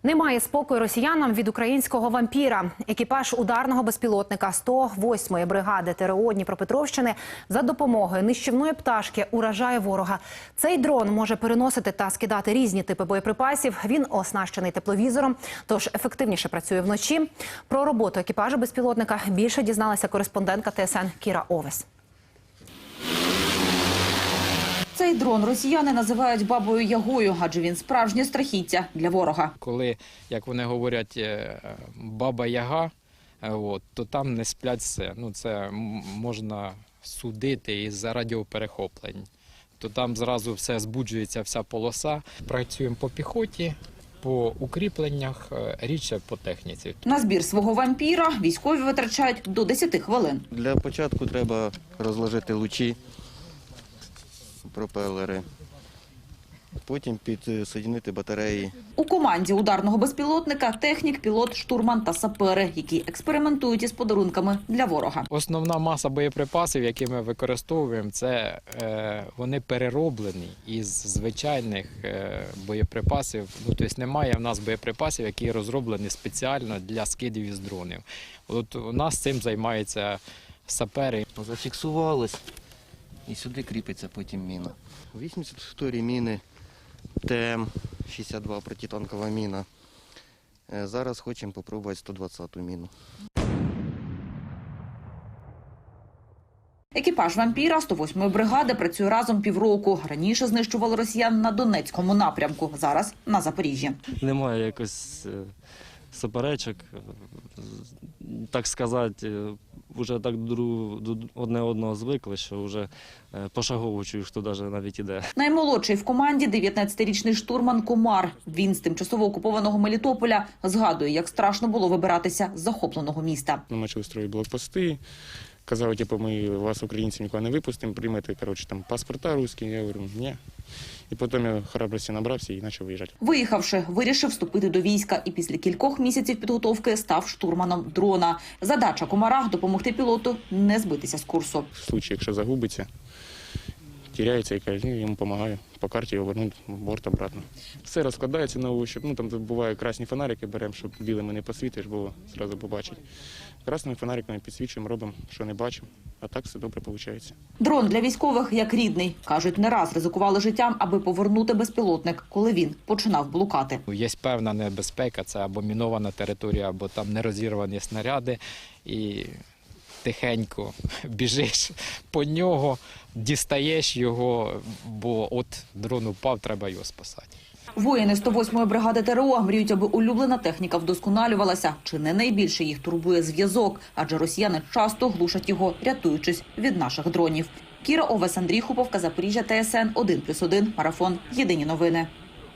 Немає спокою росіянам від українського вампіра. Екіпаж ударного безпілотника 108-ї бригади ТРО Дніпропетровщини за допомогою нищівної пташки уражає ворога. Цей дрон може переносити та скидати різні типи боєприпасів. Він оснащений тепловізором, тож ефективніше працює вночі. Про роботу екіпажу безпілотника більше дізналася кореспондентка ТСН Кіра Овес. Цей дрон росіяни називають бабою Ягою, адже він справжнє страхіття для ворога. Коли, як вони говорять, баба Яга, то там не сплять все. Це можна судити із радіоперехоплень. То там зразу все збуджується, вся полоса. Працюємо по піхоті, по укріпленнях, рідше по техніці. На збір свого вампіра військові витрачають до 10 хвилин. Для початку треба розложити лучі, пропелери, потім підсоединити батареї. У команді ударного безпілотника технік, пілот, штурман та сапери, які експериментують із подарунками для ворога. Основна маса боєприпасів, які ми використовуємо, це вони перероблені із звичайних боєприпасів. Тобто немає в нас боєприпасів, які розроблені спеціально для скидів із дронів. От у нас цим займаються сапери. Зафіксувалось і сюди кріпиться потім міна. 82-ї міни, ТМ-62 протитанкова міна. Зараз хочемо спробувати 120-ту міну. Екіпаж вампіра 108-ї бригади працює разом півроку. Раніше знищували росіян на Донецькому напрямку, зараз на Запоріжжі. Немає якось суперечок, так сказати, вже так одне одного звикли, що вже пошагово чую, хто навіть іде. Наймолодший в команді – 19-річний штурман Комар. Він з тимчасово окупованого Мелітополя згадує, як страшно було вибиратися з захопленого міста. Ми почали строїти блокпости. Казали, ми вас, українців, ніколи не випустимо, приймете, паспорта русські. Я говорю, ні. І потім я храбрості набрався і почав виїжджати. Виїхавши, вирішив вступити до війська і після кількох місяців підготовки став штурманом дрона. Задача Комара – допомогти пілоту не збитися з курсу. В випадку, якщо загубиться, теряється, я йому допомагаю по карті повернути борт обратно. Все розкладається на ощупь. Там бувають красні фонарики беремо, щоб білими не посвітиш, бо одразу побачить. Красними фонариками підсвічуємо, робимо, що не бачимо, а так все добре виходить. Дрон для військових як рідний. Кажуть, не раз ризикували життям, аби повернути безпілотник, коли він починав блукати. Є певна небезпека, це або мінована територія, або там нерозірвані снаряди. І тихенько біжиш по нього, дістаєш його, бо от дрон упав, треба його спасати. Воїни 108-ї бригади ТРО мріють, аби улюблена техніка вдосконалювалася. Чи не найбільше їх турбує зв'язок, адже росіяни часто глушать його, рятуючись від наших дронів. Кіра Овес, Андрій Хуповка, Запоріжжя, ТСН 1+1, Марафон. Єдині новини.